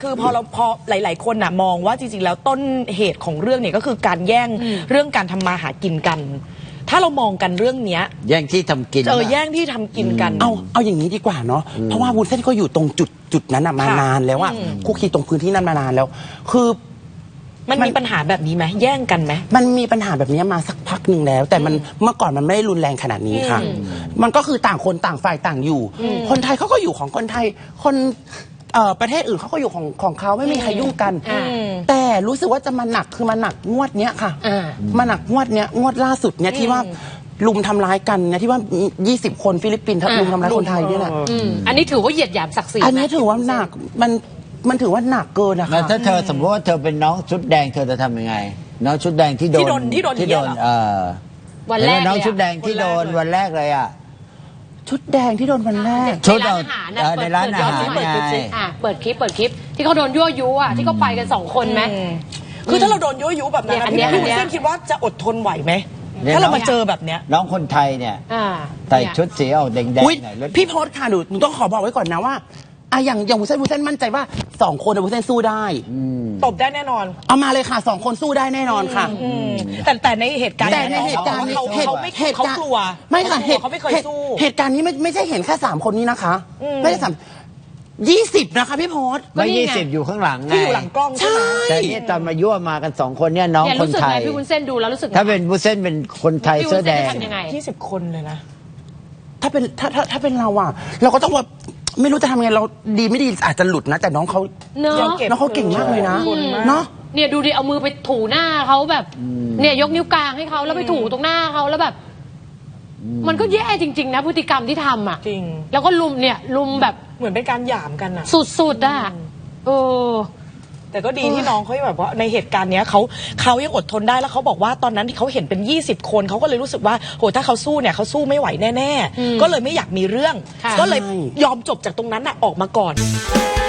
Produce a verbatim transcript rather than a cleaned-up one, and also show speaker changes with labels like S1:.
S1: คือพอเราพอหลาย ๆ คนน่ะมองว่าจริงๆแล้วต้นเหตุของเรื่องเนี่ยก็คือการแย่งเรื่องการทำมาหากินกัน ถ้าเรามองกันเรื่องเนี้ย
S2: แย่งที่ทำกิน
S1: เออแย่งที่ทำกินกัน
S3: เอาเอาอย่างนี้ดีกว่าเนาะเพราะว่าวุ้นเส้นก็อยู่ตรงจุดจุดนั้นมานานแล้วอะคุกคีตรงพื้นที่นั้นมานานแล้ว คือ
S1: มันมีปัญหาแบบนี้ไหมแย่งกันไหม
S3: มันมีปัญหาแบบนี้มาสักพักหนึ่งแล้ว แต่มันเมื่อก่อนมันไม่ได้รุนแรงขนาดนี้ค่ะ มันก็คือต่างคนต่างฝ่ายต่างอยู่ คนไทยเขาก็อยู่ของคนไทยคนประเทศอื่นเขาก็อยู่ของของเขาไม่มีใครยุ่งกันแต่รู้สึกว่าจะมาหนักคือมาหนักงวดเนี้ยค่ะมาหนักงวดเนี้ยงวดล่าสุดเนี้ยที่ว่าลุมทำร้ายกันเนี่ยที่ว่ายี่สิบคนฟิลิปปินส์ลุมทำร้ายคนไทยเนี่ยแหละ
S4: อันนี้ถือว่าเหยียดหยามศักดิ์ศรี
S3: อันนี้ถือว่าหนักมันมันถือว่าหนักเกินนะคะ
S2: ถ้าเธอสมมติว่าเธอเป็นน้องชุดแดงเธอจะทำยังไงน้องชุดแดงที่โดน
S1: ที่โดนที่โดน
S2: เออ
S4: วันแรก
S2: น้องชุดแดงที่โดนวันแรกเลยอ่ะ
S3: ชุดแดงที่โดนวันแรก
S2: ชุด
S4: ในร้านอาหารเปิดคลิปเปิดคลิปเปิดคลิปที่เขาโดนยั่วยุอ่ะที่เขาไปกันสองคนไหม
S1: คือถ้าเราโดนยั่วยุแบบนั้นพี่วุ้นเส้นคิดว่าจะอดทนไหวไหมถ้าเรามาเจอแบบเนี้ย
S2: น้องคนไทยเนี่ยใส่ชุดสีออกแดงๆหน่อย
S3: พี่โพสค่ะหนูหนูต้องขอบอกไว้ก่อนนะว่าอะอย่างอย่างวุ้นเส้นวุ้นเส้นมั่นใจว่าสองคนวุ้นเส้นสู้ได้
S1: ตบได้แน่นอน
S3: เอามาเลยค่ะสองคนสู้ได้แน่นอนค่ะ
S1: แต่แต่ในเหตุการณ์
S3: แต่ในเหตุการณ์
S1: เขาเขาไม่เขากลัว
S3: ไม่ค่ะเหตุ
S1: เขาไม่เคยสู้
S3: เหตุการณ์นี้ไม่ไม่ใช่เห็นแค่สามคนนี้นะคะไม่ใช่สามยี่สิบนะคะพี่โพส
S2: ไม่ยี่สิบอยู่ข้างหลัง
S1: ที่อยู่หลังกล้องใช่ไหม
S2: แต่เนี่ยตอนมายั่วมากันสองคนเนี่ยน้องคนไทย
S4: พี่วุ้นเส้นดูแล้วรู้สึก
S2: ถ้าเป็นวุ้นเส้นเป็นคนไทยเสื้อแดง
S1: ยี่สิบคนเลยนะ
S3: ถ้าเป็นถ้าถ้าถ้าเป็นเราอ่ะเราก็ต้องว่าไม่รู้จะทำไงเราดีไม่ดีอาจจะหลุดนะแต่น้องเขา
S4: เนาะ
S3: น้องเขาเก่งมากเลยนะเนาะ
S4: เนี่ยดูดิเอามือไปถูหน้าเขาแบบเนี่ยยกนิ้วกลางให้เขาแล้วไปถูตรงหน้าเขาแล้วแบบมันก็แย่จริงๆนะพฤติกรรมที่ทำอ่ะ
S1: จริง
S4: แล้วก็ลุมเนี่ยลุมแบบ
S1: เหมือนเป็นการหยามกันอ่ะ
S4: สุดๆอ่ะเออ
S1: แต่ก็ดีที่น้องเขาแบบว่าในเหตุการณ์เนี้ยเขาเขายังอดทนได้แล้วเขาบอกว่าตอนนั้นที่เขาเห็นเป็นยี่สิบคนเขาก็เลยรู้สึกว่าโหถ้าเขาสู้เนี่ยเขาสู้ไม่ไหวแน่ๆก็เลยไม่อยากมีเรื่องก็เลยยอมจบจากตรงนั้นน่ะออกมาก่อน